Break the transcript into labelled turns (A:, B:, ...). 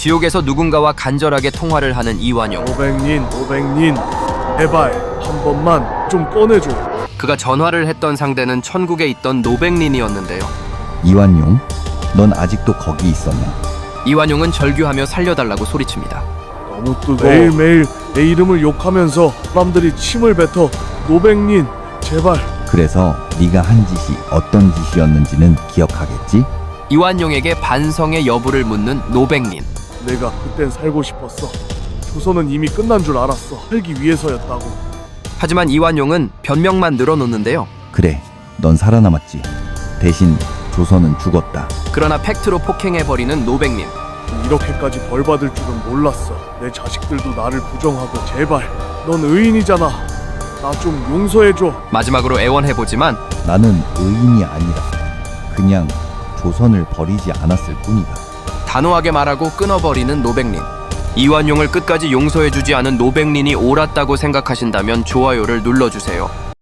A: 지옥에서 누군가와 간절하게 통화를 하는 이완용.
B: 노백린, 제발 한 번만 좀 꺼내줘.
A: 그가 전화를 했던 상대는 천국에 있던 노백린이었는데요.
C: 이완용, 넌 아직도 거기 있었나?
A: 이완용은 절규하며 살려달라고 소리칩니다.
B: 너무 뜨거워. 매일매일 내 이름을 욕하면서 사람들이 침을 뱉어. 노백린, 제발.
C: 그래서 네가 한 짓이 어떤 짓이었는지는 기억하겠지?
A: 이완용에게 반성의 여부를 묻는 노백린.
B: 내가 그땐 살고 싶었어. 조선은 이미 끝난 줄 알았어. 살기 위해서였다고.
A: 하지만 이완용은 변명만 늘어놓는데요.
C: 그래, 넌 살아남았지. 대신 조선은 죽었다.
A: 그러나 팩트로 폭행해버리는 노백린.
B: 이렇게까지 벌 받을 줄은 몰랐어. 내 자식들도 나를 부정하고. 제발, 넌 의인이잖아. 나 좀 용서해줘.
A: 마지막으로 애원해보지만
C: 나는 의인이 아니라 그냥 조선을 버리지 않았을 뿐이다.
A: 단호하게 말하고 끊어버리는 노백린. 이완용을 끝까지 용서해주지 않은 노백린이 옳았다고 생각하신다면 좋아요를 눌러주세요.